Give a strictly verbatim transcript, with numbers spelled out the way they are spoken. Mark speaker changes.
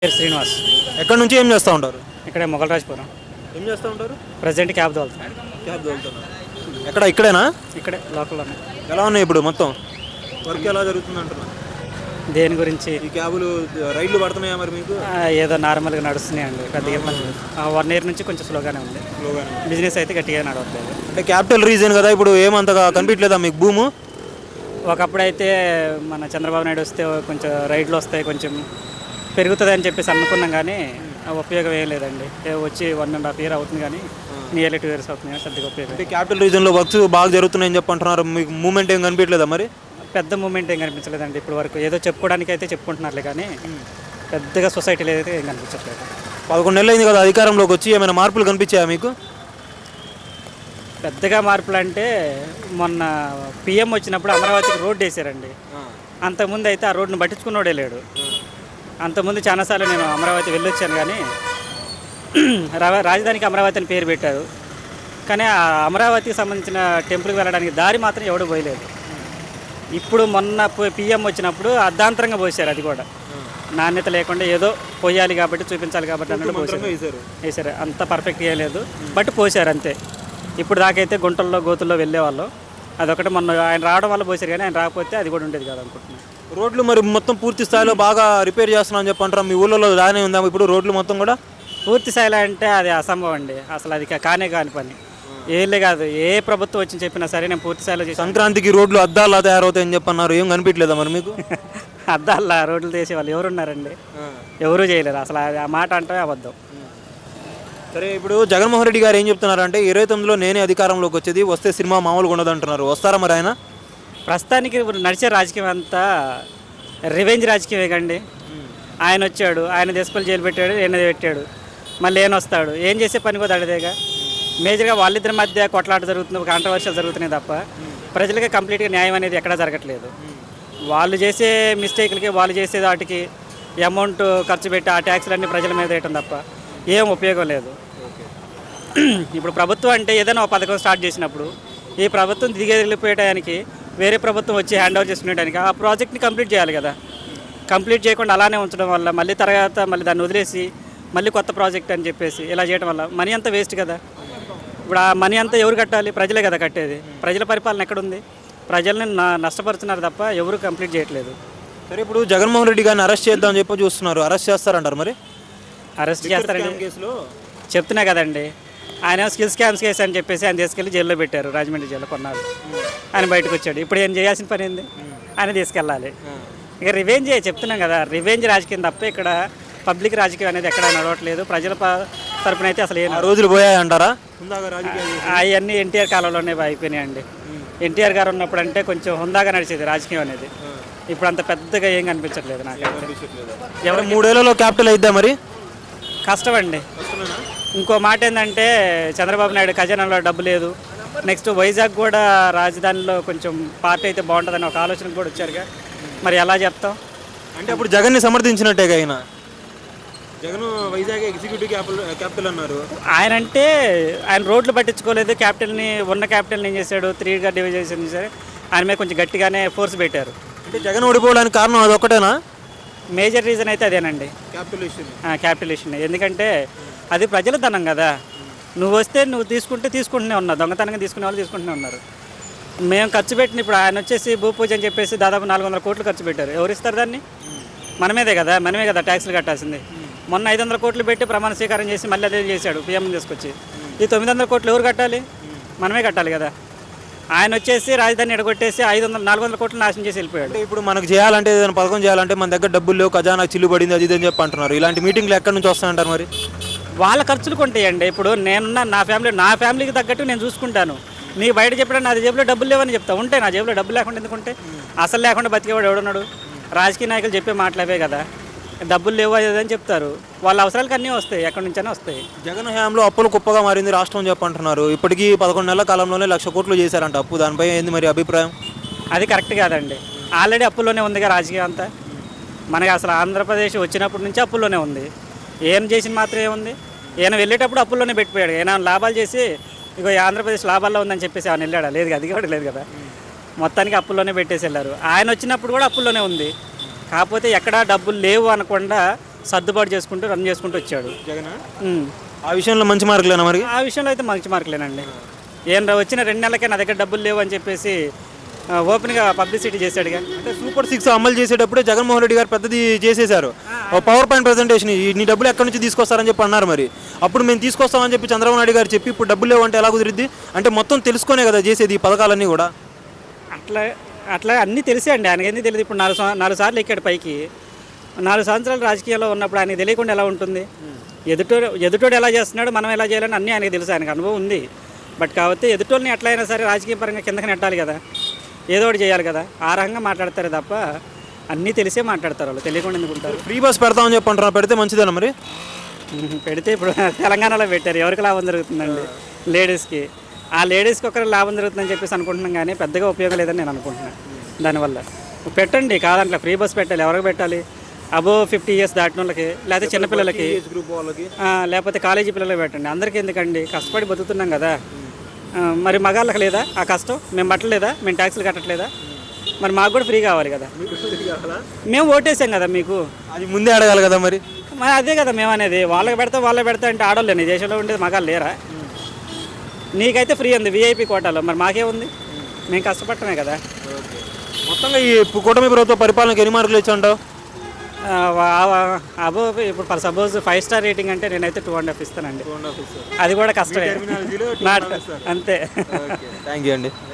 Speaker 1: పేరు శ్రీనివాస్.
Speaker 2: ఎక్కడి నుంచి ఏం చేస్తూ ఉంటారు?
Speaker 1: ఇక్కడే మొగలరాజపురం.
Speaker 2: ఏం చేస్తూ ఉంటారు?
Speaker 1: ప్రజెంట్ క్యాబ్ తోలుతాను.
Speaker 2: క్యాబ్ తోలుతున్నారు. ఎక్కడ ఇక్కడేనా?
Speaker 1: ఇక్కడే లోకల్లోనే.
Speaker 2: ఎలా ఉన్నాయి ఇప్పుడు మొత్తం వర్క్ ఎలా జరుగుతుంది అంటున్నా?
Speaker 1: దేని గురించి?
Speaker 2: ఈ క్యాబులు రైళ్లు పడుతున్నాయా మరి మీకు?
Speaker 1: ఆ, ఏదో నార్మల్గా నడుస్తున్నాయండి. పెద్దగా ఇబ్బంది లేదు. వన్ ఇయర్ నుంచి కొంచెం స్లోగానే ఉంది.
Speaker 2: స్లోగానే.
Speaker 1: బిజినెస్ అయితే గట్టిగా నడవట్లేదు.
Speaker 2: అంటే క్యాపిటల్ రీజన్ కదా, ఇప్పుడు ఏమంతగా కనిపించలేదా మీకు భూము?
Speaker 1: ఒకప్పుడైతే మన చంద్రబాబు నాయుడు వస్తే కొంచెం రైడ్లు వస్తాయి, కొంచెం పెరుగుతుంది అని చెప్పేసి అనుకున్నాం, కానీ ఆ ఉపయోగం ఏం లేదండి. ఏ వచ్చి వన్ అండ్ హాఫ్ ఇయర్ అవుతుంది, కానీ నియర్లీ టూ ఇయర్స్ అవుతుంది, కానీ పెద్దగా ఉపయోగం.
Speaker 2: అంటే క్యాపిటల్ రీజన్లో వర్క్స్ బాగా జరుగుతున్నాయని చెప్పి అంటున్నారు. మీకు మూమెంట్ ఏం కనిపించలేదా మరి?
Speaker 1: పెద్ద మూమెంట్ ఏం కనిపించలేదండి ఇప్పుడు వరకు. ఏదో చెప్పుకోవడానికి అయితే చెప్పుకుంటున్నారులే, కానీ పెద్దగా సొసైటీలో అయితే ఏం కనిపించట్లేదు.
Speaker 2: పదకొండు నెలలు అయింది కదా అధికారంలోకి వచ్చి, ఏమైనా మార్పులు కనిపించాయా మీకు?
Speaker 1: పెద్దగా మార్పులు అంటే మొన్న పిఎం వచ్చినప్పుడు అమరావతికి రోడ్డు వేసారండి. అంతకుముందు అయితే ఆ రోడ్డును పట్టించుకున్నోడే లేడు. అంతకుముందు చాలాసార్లు నేను అమరావతి వెళ్ళొచ్చాను, కానీ రా- రాజధానికి అమరావతి అని పేరు పెట్టారు, కానీ ఆ అమరావతికి సంబంధించిన టెంపుల్కి వెళ్ళడానికి దారి మాత్రం ఎవడు పోయలేదు. ఇప్పుడు మొన్న పిఎం వచ్చినప్పుడు అర్ధాంతరంగా పోసారు, అది కూడా నాణ్యత లేకుండా ఏదో పోయాలి కాబట్టి చూపించాలి కాబట్టి అన్నట్టు పోసారు వేసారు. అంత పర్ఫెక్ట్ చేయలేదు, బట్ పోసారు అంతే. ఇప్పుడు దాకైతే గుంటల్లో గోతుల్లో వెళ్ళేవాళ్ళు. అదొకటి మొన్న ఆయన రావడం వల్ల పోసారు, కానీ ఆయన రాకపోతే అది కూడా ఉండేది కాదు అనుకుంటున్నాను.
Speaker 2: రోడ్లు మరి మొత్తం పూర్తి స్థాయిలో బాగా రిపేర్ చేస్తున్నా అని చెప్పి అంటారు. మీ ఊళ్ళో దానే ఉందా ఇప్పుడు రోడ్లు మొత్తం కూడా?
Speaker 1: పూర్తి స్థాయిలో అంటే అది అసంభవం అండి. అసలు అది కా- కానే కాని పని. ఏలే కాదు, ఏ ప్రభుత్వం వచ్చి చెప్పినా సరే నేను పూర్తి స్థాయిలో చేసి
Speaker 2: సంక్రాంతికి రోడ్లు అద్దాలా తయారవుతాయని చెప్పి అన్నారు. ఏం కనిపించలేదా మరి మీకు?
Speaker 1: అద్దాల రోడ్లు తీసే వాళ్ళు ఎవరున్నారండి? ఎవరూ చేయలేరు. అసలు అది- ఆ మాట అంటే అబద్ధం.
Speaker 2: సరే, ఇప్పుడు జగన్మోహన్ రెడ్డి గారు ఏం చెప్తున్నారంటే ఇరవై తొమ్మిదిలో నేనే అధికారంలోకి వచ్చేది, వస్తే సినిమా మామూలుగా ఉండదు అంటున్నారు. వస్తారా మరి ఆయన?
Speaker 1: ప్రస్తుతానికి ఇప్పుడు నడిచే రాజకీయం అంతా రివెంజ్ రాజకీయమే కండి. ఆయన వచ్చాడు, ఆయన దేశపల్లి జైలు పెట్టాడు, ఈయన పెట్టాడు, మళ్ళీ ఏం వస్తాడు, ఏం చేసే పని కూడా అడిదేగా. మేజర్గా వాళ్ళిద్దరి మధ్య కొట్లాట జరుగుతుంది, కాంట్రవర్షియల్ జరుగుతున్నాయి తప్ప ప్రజలకి కంప్లీట్గా న్యాయం అనేది ఎక్కడా జరగట్లేదు. వాళ్ళు చేసే మిస్టేక్లకి, వాళ్ళు చేసే వాటికి అమౌంట్ ఖర్చు పెట్టి ఆ ట్యాక్స్లన్నీ ప్రజల మీద వేయటం తప్ప ఏం ఉపయోగం లేదు. ఇప్పుడు ప్రభుత్వం అంటే ఏదైనా ఒక పథకం స్టార్ట్ చేసినప్పుడు ఈ ప్రభుత్వం దిగెళ్ళిపోయడానికి వేరే ప్రభుత్వం వచ్చి హ్యాండ్ ఓవర్ చేసుకునేటానికి ఆ ప్రాజెక్ట్ని కంప్లీట్ చేయాలి కదా. కంప్లీట్ చేయకుండా అలానే ఉంచడం వల్ల మళ్ళీ తర్వాత మళ్ళీ దాన్ని వదిలేసి మళ్ళీ కొత్త ప్రాజెక్ట్ అని చెప్పేసి ఇలా చేయడం వల్ల మనీ అంతా వేస్ట్ కదా. ఇప్పుడు ఆ మనీ అంతా ఎవరు కట్టాలి? ప్రజలే కదా కట్టేది. ప్రజల పరిపాలన ఎక్కడుంది? ప్రజల్ని న- నష్టపరుస్తున్నారు తప్ప ఎవరు కంప్లీట్ చేయట్లేదు.
Speaker 2: సరే, ఇప్పుడు జగన్మోహన్ రెడ్డి గారిని అరెస్ట్ చేద్దామని చెప్పి చూస్తున్నారు. అరెస్ట్ చేస్తారంటారు మరి?
Speaker 1: అరెస్ట్ చేస్తారండి,
Speaker 2: కేసులో
Speaker 1: చెప్తున్నా కదండి. ఆయన స్కిల్ స్కామ్స్ కేసు అని చెప్పేసి ఆయన తీసుకెళ్ళి జైల్లో పెట్టారు, రాజమండ్రి జైల్లో కొన్నారు. ఆయన బయటకు వచ్చాడు. ఇప్పుడు ఏం చేయాల్సిన పని ఏంది? ఆయన తీసుకెళ్ళాలి. ఇక రివెంజ్ చెప్తున్నాం కదా, రివెంజ్ రాజకీయం తప్ప ఇక్కడ పబ్లిక్ రాజకీయం అనేది ఎక్కడ నడవట్లేదు. ప్రజల ప- తరపున అయితే అసలు ఏం
Speaker 2: ఆ రోజులు పోయాయంటారా?
Speaker 1: అవన్నీ ఎన్టీఆర్ కాలంలోనే అయిపోయినాయండి. ఎన్టీఆర్ గారు ఉన్నప్పుడు అంటే కొంచెం హుందాగా నడిచేది రాజకీయం అనేది. ఇప్పుడు అంత పెద్దగా ఏం కనిపించట్లేదు నాకు.
Speaker 2: ఎవరు మూడేళ్లలో క్యాపిటల్ అయిద్దా మరి?
Speaker 1: కష్టం అండి. ఇంకో మాట ఏంటంటే చంద్రబాబు నాయుడు ఖజానాలో డబ్బు లేదు. నెక్స్ట్ వైజాగ్ కూడా రాజధానిలో కొంచెం పార్టీ అయితే బాగుంటుందని ఒక ఆలోచన కూడా వచ్చారుగా. మరి ఎలా చెప్తాం?
Speaker 2: అంటే అప్పుడు జగన్ని సమర్థించినట్టేగా ఆయన. Jagan Vizag executive capital capital అన్నారు.
Speaker 1: ఆయన అంటే ఆయన రోడ్లు పట్టించుకోలేదు. క్యాపిటల్ని ఉన్న క్యాపిటల్ని ఏం చేశాడు? త్రీగా డివైడ్ చేసి సరే ఆయన మీద కొంచెం గట్టిగానే ఫోర్స్ పెట్టారు.
Speaker 2: అంటే జగన్ ఓడిపోవడానికి కారణం అదొక్కటేనా?
Speaker 1: మేజర్ రీజన్ అయితే అదేనండి,
Speaker 2: క్యాపిటల్ ఇష్యూ.
Speaker 1: Capital issue. ఎందుకంటే అది ప్రజల ధనం కదా. నువ్వు వస్తే నువ్వు తీసుకుంటే తీసుకుంటూనే ఉన్నావు, దొంగతనంగా తీసుకునే వాళ్ళు తీసుకుంటూనే ఉన్నారు. మేము ఖర్చు పెట్టిన ఇప్పుడు ఆయన వచ్చేసి భూ పూజ అని చెప్పేసి దాదాపు నాలుగు వందల కోట్లు ఖర్చు పెట్టారు. ఎవరు ఇస్తారు దాన్ని? మనమేదే కదా, మనమే కదా ట్యాక్స్లు కట్టాల్సింది. మొన్న ఐదు వందల కోట్లు పెట్టి ప్రమాణ స్వీకారం చేసి మళ్ళీ అదే చేశాడు పీఎం తీసుకొచ్చి. ఈ తొమ్మిది వందల కోట్లు ఎవరు కట్టాలి? మనమే కట్టాలి కదా. ఆయన వచ్చేసి రాజధాని ఎడగొట్టేసి ఐదు వందల నాలుగు వందల కోట్లు నాశనం చేసి వెళ్ళిపోయాడు.
Speaker 2: అంటే ఇప్పుడు మనకు చేయాలంటే ఏదైనా పథకం చేయాలంటే మన దగ్గర డబ్బులు లేవు, ఖజానా చిల్లు పడింది, అది ఇది అని చెప్పి అంటున్నారు. ఇలాంటి మీటింగ్లు ఎక్కడి నుంచి వస్తాయంటారు మరి?
Speaker 1: వాళ్ళ ఖర్చులు కొంటాయండి. ఇప్పుడు నేనున్న నా ఫ్యామిలీ నా ఫ్యామిలీకి తగ్గట్టు నేను చూసుకుంటాను. నీకు బయట చెప్పడం నా జేబులో డబ్బులు లేవని చెప్తా. ఉంటే నా జేబులో డబ్బులు లేకుండా ఎందుకుంటే? అసలు లేకుండా బతికేవాడు ఎవడున్నాడు? రాజకీయ నాయకులు చెప్పే మాటలవే కదా, డబ్బులు లేవు అది అని చెప్తారు. వాళ్ళ అవసరాలకు అన్నీ వస్తాయి, ఎక్కడి నుంచైనా వస్తాయి.
Speaker 2: జగన్ హయాంలో అప్పులు కుప్పగా మారింది రాష్ట్రం చెప్పంటున్నారు. ఇప్పటికీ పదకొండు నెలల కాలంలోనే లక్ష కోట్లు చేశారంట అప్పు. దానిపై ఏంది మరి అభిప్రాయం?
Speaker 1: అది కరెక్ట్ కాదండి. ఆల్రెడీ అప్పుల్లోనే ఉందిగా రాజకీయం అంతా. మనకి అసలు ఆంధ్రప్రదేశ్ వచ్చినప్పటి నుంచి అప్పుల్లోనే ఉంది. ఏం చేసిన మాత్రం ఏముంది? ఈయన వెళ్ళేటప్పుడు అప్పుల్లోనే పెట్టిపోయాడు. ఈయన లాభాలు చేసి ఇగో ఈ ఆంధ్రప్రదేశ్ లాభాల్లో ఉందని చెప్పేసి ఆయన వెళ్ళాడా? లేదు, అది కూడా లేదు కదా. మొత్తానికి అప్పుల్లోనే పెట్టేసి వెళ్ళారు. ఆయన వచ్చినప్పుడు కూడా అప్పుల్లోనే ఉంది. కాకపోతే ఎక్కడా డబ్బులు లేవు అనకుండా సర్దుబాటు చేసుకుంటూ రన్ చేసుకుంటూ వచ్చాడు.
Speaker 2: జగన్
Speaker 1: ఉమ్.
Speaker 2: ఆ విషయంలో మంచి మార్కులేనా మరి?
Speaker 1: ఆ విషయంలో అయితే మంచి మార్కులేనండి. ఏం రా వచ్చిన రెండు నెలలకే నా దగ్గర డబ్బులు లేవు అని చెప్పేసి ఆ, ఓపెన్గా పబ్లిసిటీ చేశాడుగా.
Speaker 2: అంటే సూపర్ సిక్స్ అమలు చేసేటప్పుడే జగన్మోహన్ రెడ్డి గారు పెద్దది చేసేశారు. ఓ పవర్ పాయింట్ ప్రజెంటేషన్ నీ డబ్బులు ఎక్కడి నుంచి తీసుకొస్తారని చెప్పి అన్నారు. మరి అప్పుడు మేము తీసుకొస్తామని చెప్పి చంద్రబాబు నాయుడు గారు చెప్పి ఇప్పుడు డబ్బులు లేవంటే ఎలా కుదిరిద్ది? అంటే మొత్తం తెలుసుకునే కదా చేసేది ఈ పథకాలన్నీ కూడా.
Speaker 1: అట్లా అట్లా అన్నీ తెలిసే అండి. ఆయనకి ఎందుకు తెలియదు? ఇప్పుడు నాలుగు సం- నాలుగు సార్లు ఎక్కాడు పైకి. నాలుగు సంవత్సరాలు రాజకీయాల్లో ఉన్నప్పుడు ఆయనకి తెలియకుండా ఎలా ఉంటుంది? ఎదుటోడు ఎదుటోడు ఎలా చేస్తున్నాడు, మనం ఎలా చేయాలని అన్నీ ఆయనకి తెలుసు. ఆయనకు అనుభవం ఉంది. బట్ కాకపోతే ఎదుటోళ్ళని ఎట్లా అయినా సరే రాజకీయ పరంగా కిందకి నెట్టాలి కదా, ఏదో ఒకటి చేయాలి కదా. ఆ రకంగా మాట్లాడతారు తప్ప అన్నీ తెలిసే మాట్లాడతారు. వాళ్ళు తెలియకుండా ఎందుకు ఉంటారు?
Speaker 2: ఫ్రీ బస్ పెడతామని చెప్పి అంటున్నారు, పెడితే మంచిదేనా మరి?
Speaker 1: ఉహు, పెడితే ఇప్పుడు తెలంగాణలో పెట్టారు. ఎవరికి లాభం జరుగుతుందండి? లేడీస్కి. ఆ లేడీస్కి ఒకరికి లాభం జరుగుతుందని చెప్పేసి అనుకుంటున్నాం, కానీ పెద్దగా ఉపయోగం లేదని నేను అనుకుంటున్నాను. దానివల్ల పెట్టండి, కాదంటే ఫ్రీ బస్ పెట్టాలి. ఎవరికి పెట్టాలి? అబో ఫిఫ్టీ ఇయర్స్ దాటిన వాళ్ళకి, లేకపోతే చిన్నపిల్లలకి,
Speaker 2: గ్రూప్ వాళ్ళకి,
Speaker 1: ఆ, లేకపోతే కాలేజీ పిల్లలకి పెట్టండి. అందరికీ ఎందుకండి? కష్టపడి బతుకుతున్నాం కదా. ఆ, మరి మగాళ్ళకి లేదా ఆ కష్టం? మేము పట్టలేదా? మేము ట్యాక్సులు కట్టట్లేదా? మరి మాకు కూడా ఫ్రీ కావాలి కదా. మేము ఓటేసాం కదా మీకు.
Speaker 2: అది ముందే అడగాలి కదా మరి.
Speaker 1: మరి అదే కదా మేము అనేది. వాళ్ళకి పెడతా వాళ్ళకి పెడతా అంటే ఆడోళ్ళని దేశంలో ఉండేది మగాళ్ళు లేరా? నీకైతే ఫ్రీ ఉంది విఐపి కోటాలో, మరి మాకే ఉంది? మేము కష్టపడటమే కదా.
Speaker 2: మొత్తంగా ఈ కూటమి ప్రభుత్వ పరిపాలనకి ఎన్ని మార్కులు ఇచ్చాంటావు?
Speaker 1: ఆ, వా- వా- అబో ఇప్పుడు for suppose five star rating అంటే నేనైతే టూ అండ్ హాఫ్ ఇస్తానండి. అది కూడా కష్టమే. నాట్ అంతే.
Speaker 2: థ్యాంక్ యూ అండి.